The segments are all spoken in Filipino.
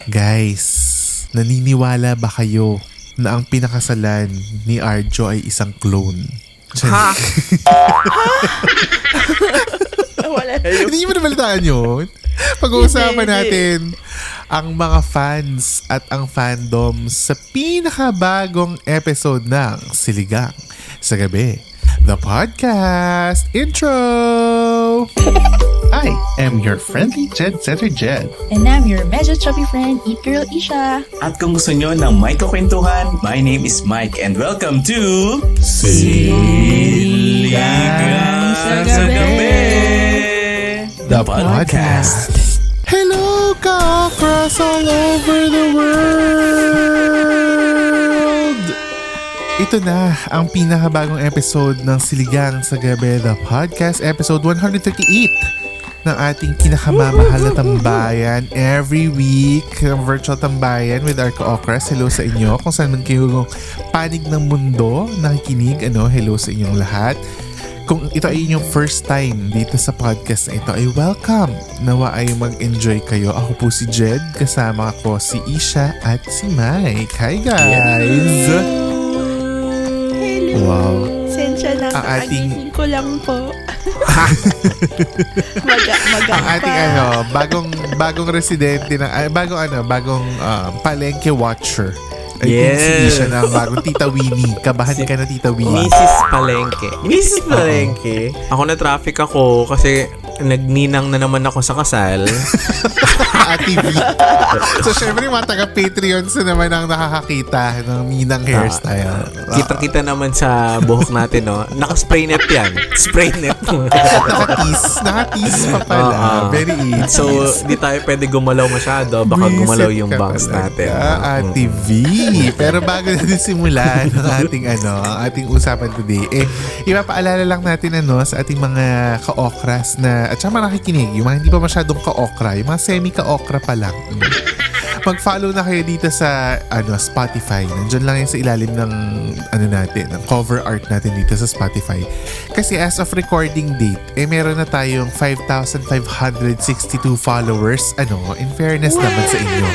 Guys, naniniwala ba kayo na ang pinakasalan ni Arjo ay isang clone? Ha? Wala na yun. Hindi mo nabalitaan yun? Pag-uusapan natin ang mga fans at ang fandom sa pinakabagong episode ng Siligang sa Gabi, the podcast intro! I am your friendly Jed Setter Jed. And I'm your medyo chubby friend, Eat Girl Isha. At kung gusto nyo ng may kakwentuhan, my name is Mike and welcome to Siligang sa Gabi, the podcast. Hello, ka-cross all over the world! Ito na ang pinakabagong episode ng Siligang sa Gabi, the podcast, episode 138 ng ating pinakamamahal na tambayan every week, ang virtual tambayan with our ka-okras. Hello sa inyo kung saan man kayo panig ng mundo nakikinig. Hello sa inyong lahat. Kung ito ay inyong first time dito sa podcast na ito, ay welcome. Nawa ay mag-enjoy kayo. Ako po si Jed, kasama ko si Isha at si Mike. Hi guys! Hello. Wow. Sensya na, Ang ating- kakagising ko lang po. Maga Ang ating bagong residente ng bagong palengke watcher. I think si Yes. Isha na ang bagong Tita Winnie. Kabahan ka na, Tita Winnie. Mrs. Palengke. Mrs. Palengke. Ako na traffic ako kasi nagninang na naman ako sa kasal. Ate V. So, syempre, mga taga-Patreons na naman ang nakakakita ng Minang hairstyle. Kita-kita naman sa buhok natin, no? Naka-spray net yan. Spray net. Nakatis pa pala. Very easy. So, di tayo pwede gumalaw masyado. Baka Buisit gumalaw yung ka bangs talaga, natin. Ate V. Pero bago natin simulan ang ating usapan today, ipapaalala lang natin sa ating mga ka-okras na, at saka mga nakikinig, yung mga hindi pa masyadong ka-okra, yung mga semi-ka-okra pa lang. Mag-follow na kayo dito sa Spotify. Nandiyan lang yung sa ilalim ng ng cover art natin dito sa Spotify. Kasi as of recording date, meron na tayong 5,562 followers. In fairness naman sa inyo.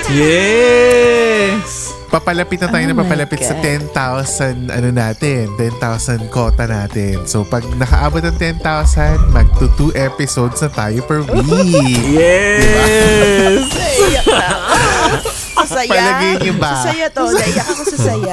Yes! Papalapit na tayo Oh na my papalapit sa God. 10,000 10,000 quota natin. So pag nakaabot ng 10,000, magto 2 episodes na tayo per week. Yes! Naiyak na ako. Sasaya. Palagay niyo ba? Sasaya to. Naiyak ako sa saya.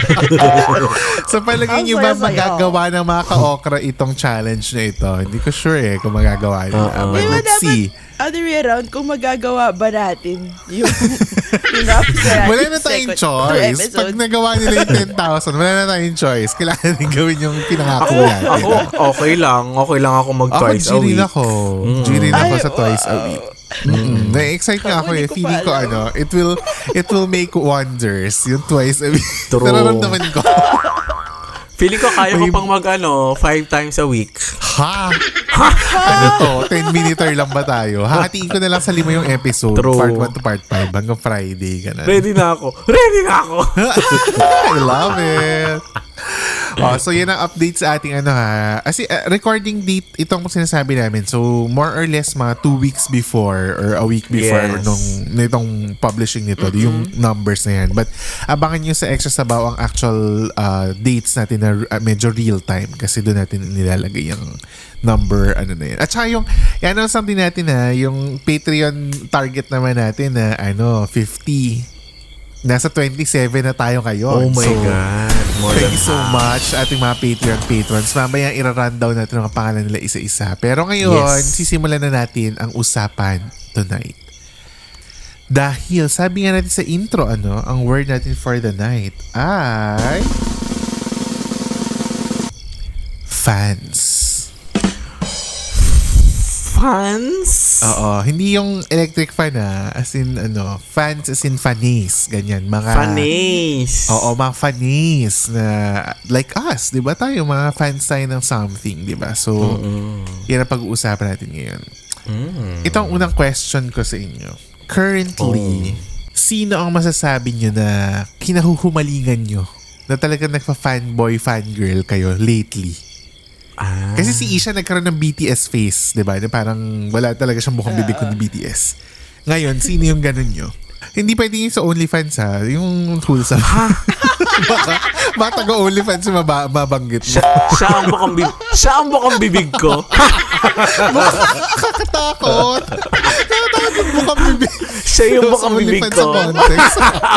So palagay Ang niyo ba saya-saya. magagawa ng mga ka-okra itong challenge na ito? Hindi ko sure kung magagawa nila. But Di ba let's see. other way around, kung magagawa ba natin yung rap sa Wala na tayong choice. Pag nagawa nila yung 10,000, wala na tayong choice. Kailangan din gawin yung pinangako natin. Ako, okay lang. Okay lang ako mag-twice a G-rin week. ako. G-rin ako Ay, sa twice a week. Na-excite nga ako Hindi ko Feeling ko pa it will make wonders yung twice a week. True. Nararamdaman ko. Feeling ko kaya ko pang 5 times a week. Ha? Ano to? 10-minuter lang ba tayo? Hahatiin ko na lang sa 5 yung episode. True. Part 1 to part 5 hanggang Friday. Ganun. Ready na ako. Ready na ako. I love it. So yan ang update sa ating recording date itong sinasabi namin. So more or less mga 2 weeks before or a week before Yes. nitong publishing nito, yung numbers na yan. But abangan nyo sa Extra Sabaw ang actual dates natin na medyo real time kasi doon natin nilalagay yung number na yan. At saka yung something natin yung Patreon target naman natin na 50. Nasa 27 na tayo ngayon. Oh my God. More Thank than you so half. much ating mga Patreon patrons. Mamaya ira-rundown natin ang pangalan nila isa-isa. Pero ngayon, Yes. sisimulan na natin ang usapan tonight. Dahil sabi nga natin sa intro, ang word natin for the night ay fans. Fans? Oo, hindi yung electric fan as in fans as in fanis, ganyan, mga Fanis. Oo, mga fanis na like us, 'di ba? Tayo mga fans tayo ng something, 'di ba? So, yan ang pag-uusapan natin ngayon. Ito ang unang question ko sa inyo. Currently, sino ang masasabi nyo na kinahuhumalingan nyo na talagang nagpa-fanboy, fangirl kayo lately? Kasi si Isha nagkaroon ng BTS face, di ba? Na parang wala talaga siyang mukhang bibig kundi BTS. Ngayon, sino yung ganun nyo? Hindi pwedeng yung sa OnlyFans ha. Yung wholesome. baka taga-OnlyFans yung mabanggit mo. Siya ang bukang bibig ko. Nakakatakot. Nakakatakot yung bukang bibig. Siya yung bukang Sa bibig OnlyFans ko. sa context.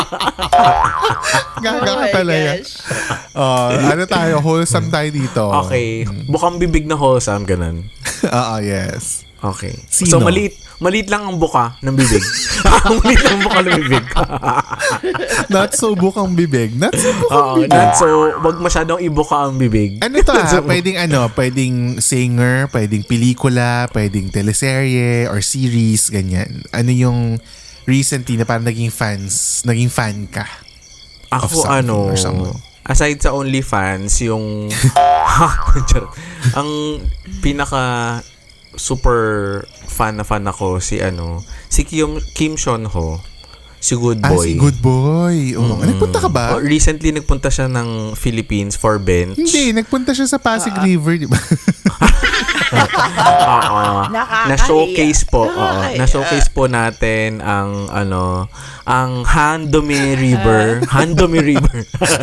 Gaga ka Oh my talaga. gosh. Ano tayo? Wholesome tayo dito. Okay. Bukang bibig na wholesome, ganun. Oo, yes. Okay. Sino? So, maliit lang ang buka ng bibig. Maliit lang ang buka ng bibig. Not so bukang bibig. Not so bukang Oo, bibig. not so, wag masyadong ibuka ang bibig. Ano to pwedeng singer, pwedeng pelikula, pwedeng teleserye or series, ganyan. Ano yung recently na parang naging fan ka? Of Ako something or someone. aside sa OnlyFans, yung charot. Ang pinaka super fan ako si Kim Sean Ho, si Good Boy. Si Good Boy. Oh, nagpunta ka ba? Recently nagpunta siya ng Philippines for bench. Hindi, nagpunta siya sa Pasig River, di ba? Nakakahiya. Na-showcase po. Nakakahiya. Na-showcase po natin ang ang Handomi River. Handomi River.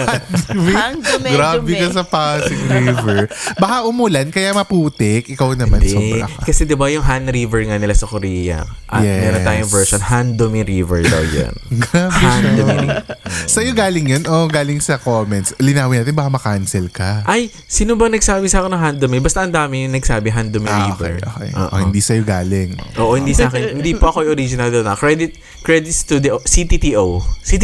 Grabe ka sa Pasig River. Baka umulan, kaya maputik. Ikaw naman, Hindi. sobra ka. Kasi 'di ba yung Han River nga nila sa Korea? At Yes. meron tayong version Handomi River daw 'yan. Grabe siya. Handomi River. Sa'yo galing yun o galing sa comments? Linawin natin, baka makancel ka. Ay, sino ba nagsabi sa akin ng Handomi? Basta ang dami yung nagsabi Handomi River. Okay. Oo. Hindi sa'yo galing. Oo, hindi sa akin. Hindi pa ako yung original doon. Credits to the CTTO.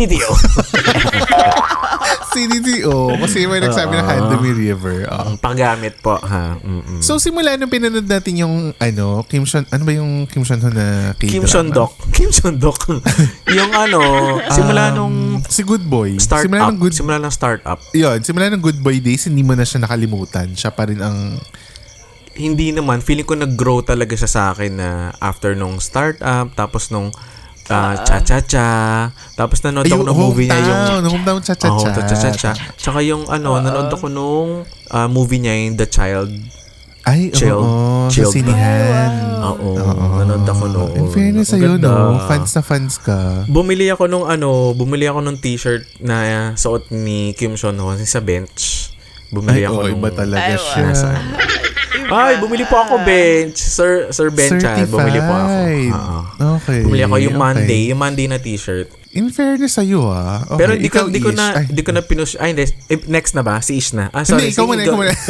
CDTO. Kasi may nagsabi ng Handomi River. Oo. Paggamit po, ha. Mm-mm. So, simula nung pinanood natin yung, Kim Sean, ano ba yung Kim Sean Ho na K-drama? Kim Sean Dok. Yung simula nung Si Good Boy. simula ng startup. Simula ng Good Boy days, hindi mo na siya nakalimutan. Siya pa rin ang... Hindi naman. Feeling ko nag-grow talaga siya sa akin na after nung startup, tapos nung Cha-Cha-Cha. Tapos nanood ako ng movie niya yung... Hometown Cha-Cha-Cha. Cha-Cha-Cha. Tsaka yung nanood ako nung movie niya yung The Child. Ay, oo. Sa sinihan. Oo. Nanood ako noon. In fairness Ang sa'yo, ganda. no? Fans na fans ka. Bumili ako nung t-shirt na suot ni Kim Sean Ho sa bench. Bumili ako nung... iba talaga Ay, siya. Nasaan? Ay, bumili po ako bench. Sir Benchan, bumili po ako. Oo. Okay. Bumili ako yung okay. Monday na t-shirt. In fairness sa'yo, Okay. Pero di ko Ish. na pinush. Ay, hindi. Next na ba? Si Ish na. Sorry. Hindi, ikaw muna.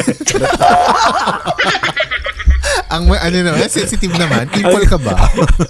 Ang sensitive naman. People ka ba?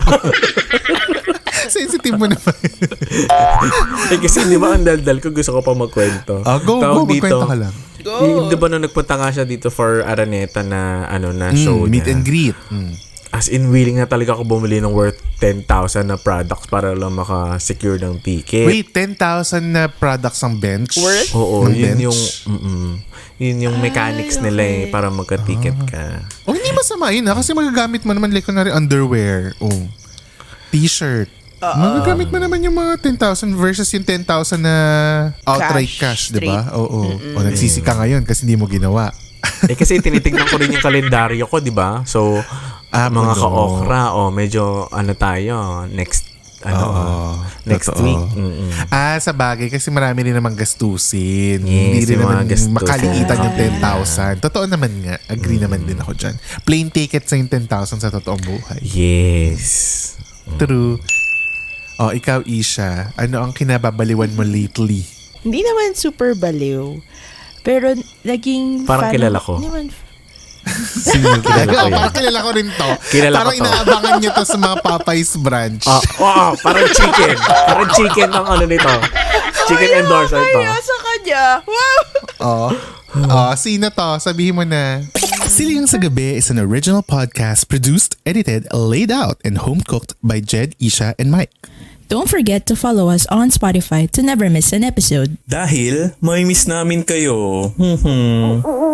Sensitive mo naman. Kasi di ba ang daldal ko, gusto ko pa magkwento. Go, magkwento ka lang. Di ba nung nagpunta nga siya dito for Araneta na show Meet niya. and greet. As in, willing na talaga ako bumili ng worth 10,000 na products para lang maka-secure ng ticket. Wait, 10,000 na products ang bench? Worth? Oo, ng yun bench? yun yung mechanics nila para magka-ticket ka. Hindi masama yun kasi magagamit mo naman like kunwari underwear. T-shirt. Magagamit mo naman yung mga 10,000 versus yung 10,000 na outright cash, di ba? Oo. O nagsisika ngayon kasi hindi mo ginawa. Kasi tinitignan ko rin yung kalendaryo ko, di ba? So, mga ka-okra, medyo tayo, next totoo. week. Sa bagay kasi marami rin namang gastusin. Yes, Hindi rin yung mga naman gastusin. makaliitan yung 10,000. Totoo naman nga. Agree naman din ako dyan. Plane tickets na yung 10,000 sa totoong buhay. Yes. True. Ikaw, Isha, ano ang kinababaliwan mo lately? Hindi naman super baliw. Pero naging Parang fan. kilala ko. Hindi naman Sino kilala ko yan? Parang kilala ko rin to. Kilala Parang ko to. inaabangan niyo to sa mga Popeyes branch. Parang chicken. Parang chicken ang nito. Chicken endorser to. kaya sa kanya. Wow! Sino to? Sabihin mo na. Siligang sa Gabi is an original podcast produced, edited, laid out, and home-cooked by Jed, Isha, and Mike. Don't forget to follow us on Spotify to never miss an episode. Dahil may miss namin kayo.